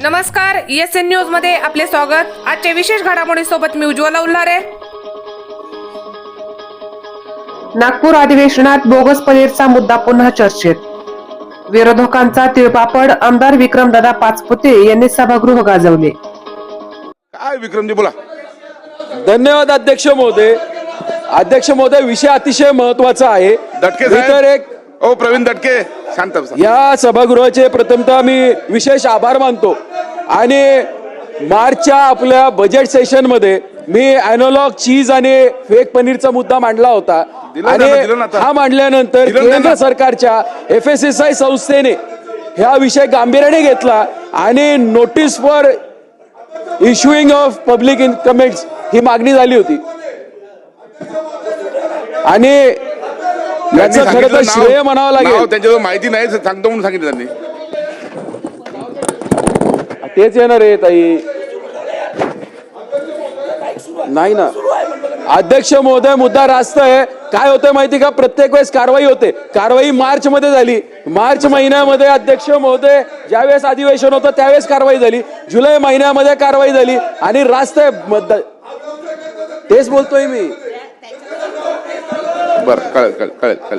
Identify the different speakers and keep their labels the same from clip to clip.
Speaker 1: नमस्कार, ESN news मध्ये आपले स्वागत। आजच्या विशेष घडामोडीसोबत मी उज्ज्वला उल्हारे। नागपूर अधिवेशनात बोगस पनीरचा मुद्दा पुन्हा चर्चेत। विरोधकांचा तिळपापड, आमदार विक्रमदादा पाचपुते यांनी सभागृह गाजवले।
Speaker 2: काय विक्रमजी बोला।
Speaker 3: धन्यवाद अध्यक्ष महोदय। अध्यक्ष महोदय, विषय अतिशय महत्त्वाचा आहे।
Speaker 2: दटके
Speaker 3: तर एक
Speaker 2: प्रवीण दटके शांत बसा।
Speaker 3: या सभागृहाचे प्रथमतः मी विशेष आभार मानतो आणि मार्चच्या आपल्या बजेट सेशन मध्ये मी एनालॉग चीज आणि फेक पनीरचा मुद्दा मांडला होता आणि हा मांडल्यानंतर केंद्र सरकारच्या FSSAI संस्थेने हा विषय गांभीर्याने घेतला आणि notice for issuing of public comments ही मागणी झाली होती आणि याचं खरं तर श्रेय म्हणावं लागेल।
Speaker 2: त्यांच्यावर माहिती नाही सांगतो म्हणून सांगितलं त्यांनी।
Speaker 3: तेच येणार आहे ताई, नाही ना अध्यक्ष महोदय। मुद्दा रास्त आहे। काय होतं माहिती का, प्रत्येक वेळेस कारवाई होते। कारवाई मार्च मध्ये झाली, मार्च महिन्यामध्ये अध्यक्ष महोदय ज्यावेळेस अधिवेशन होतं त्यावेळेस कारवाई झाली, जुलै महिन्यामध्ये कारवाई झाली आणि रास्त आहे। तेच बोलतोय मी।
Speaker 2: बरं, कळेल।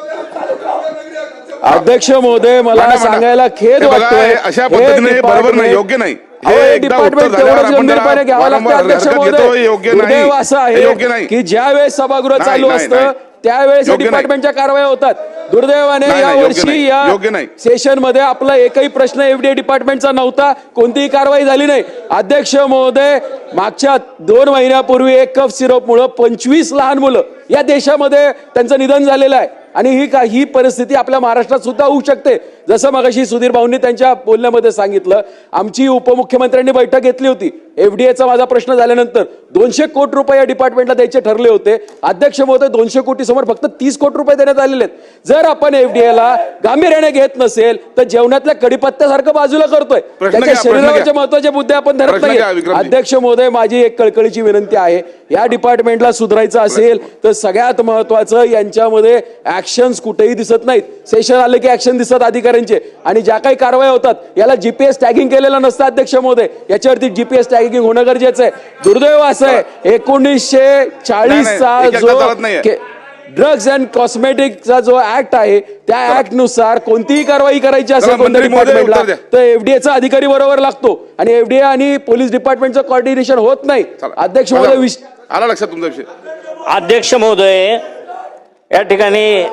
Speaker 3: अध्यक्ष महोदय, मला सांगायला खेद वाटतोय,
Speaker 2: अशा पद्धतीने बरोबर नाही, योग्य नाही।
Speaker 3: डिपार्टमेंट तेवढंच गंभीरपणे घ्यावं लागतं अध्यक्ष महोदय। दुर्दैव असं आहे की ज्या वेळेस सभागृह चालू असतं त्यावेळेस डिपार्टमेंटच्या कारवाया होतात। दुर्दैवाने या वर्षी या सेशन मध्ये आपला एकही प्रश्न FDA डिपार्टमेंटचा नव्हता, कोणतीही कारवाई झाली नाही। अध्यक्ष महोदय, मागच्या 2 महिन्यापूर्वी एक कफ सिरप मुळे 25 लहान मुलं या देशामध्ये त्यांचं निधन झालेलं आहे आणि ही परिस्थिती आपल्या महाराष्ट्रात सुद्धा होऊ शकते। जसं मगाशी सुधीर भाऊंनी त्यांच्या बोलण्यामध्ये सांगितलं, आमची उपमुख्यमंत्र्यांनी बैठक घेतली होती। FDAचा माझा प्रश्न झाल्यानंतर 200 कोटी रुपये या डिपार्टमेंटला द्यायचे ठरले होते। अध्यक्ष महोदय, 200 कोटी समोर फक्त 30 कोटी रुपये देण्यात आलेले आहेत। जर आपण FDAला गांभीर्याने घेत नसेल तर जेवणातल्या कडीपत्त्यासारखं बाजूला करतोय, त्याच्या शरीरावरचे महत्त्वाचे मुद्दे आपण धरत नाही। अध्यक्ष महोदय, माझी एक कळकळीची विनंती आहे, या डिपार्टमेंटला सुधारायचं असेल तर सगळ्यात महत्त्वाचं यांच्यामध्ये ऍक्शन्स कुठेही दिसत नाहीत। सेशन आले की ऍक्शन दिसतात अधिकाऱ्यांचे आणि ज्या काही कारवाई होतात याला GPS टॅगिंग केलेलं नसतं। अध्यक्ष महोदय, याच्यावरती GPS टॅगिंग होणं गरजेचं आहे। दुर्दैव असं आहे, 1940चा जो ड्रग्ज अँड कॉस्मेटिकचा जो ऍक्ट आहे त्या ऍक्ट नुसार कोणतीही कारवाई करायची असेल कोणत्या डिपार्टमेंटला तर FDAचा अधिकारी बरोबर लागतो आणि FDA आणि पोलीस डिपार्टमेंटचं कोऑर्डिनेशन होत नाही। अध्यक्ष महोदय,
Speaker 2: आला लक्षात तुमचा विषय।
Speaker 4: अध्यक्ष महोदय, या ठिकाणी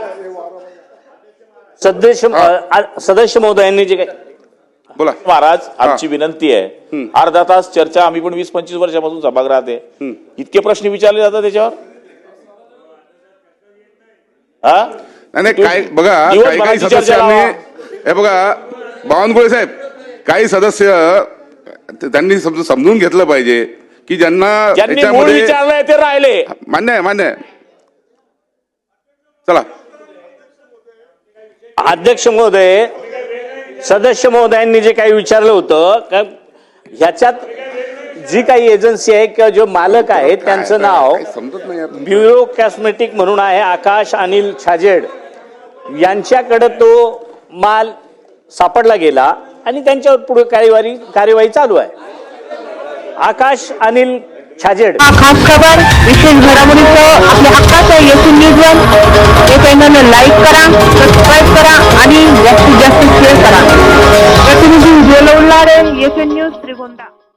Speaker 4: सदस्य महोदयांनी जे काही
Speaker 2: बोला।
Speaker 5: महाराज, आमची विनंती आहे, अर्धा तास चर्चा, आम्ही पण 20-25 वर्षापासून सभागृहात आहे, इतके प्रश्न विचारले जातात त्याच्यावर।
Speaker 2: नाही काय बघा, काही सदस्यांनी हे बघा, बावनकुळे साहेब, काही सदस्य त्यांनी समजून घेतलं पाहिजे की ज्यांना
Speaker 5: विचारलंय ते राहिले।
Speaker 2: मान्य आहे। चला
Speaker 4: अध्यक्ष महोदय, सदस्य महोदयांनी जे काही विचारलं होतं, ह्याच्यात जी काही एजन्सी आहे किंवा जो मालक आहे त्यांचं नाव ब्युरो कॉस्मेटिक म्हणून आहे, आकाश अनिल छाजेड यांच्याकडे तो माल सापडला गेला आणि त्यांच्यावर पुढे कार्यवाही चालू आहे। आकाश अनिल छाजेड।
Speaker 6: खास खबर, विशेष घडामोडीचं आपल्या हक्काचं ESN न्यूज हे चॅनल लाईक करा, सबस्क्राईब करा आणि जास्तीत जास्त शेअर करा। प्रतिनिधी उज्ज्वला उल्हारे, ESN न्यूज, श्रीगोंदा।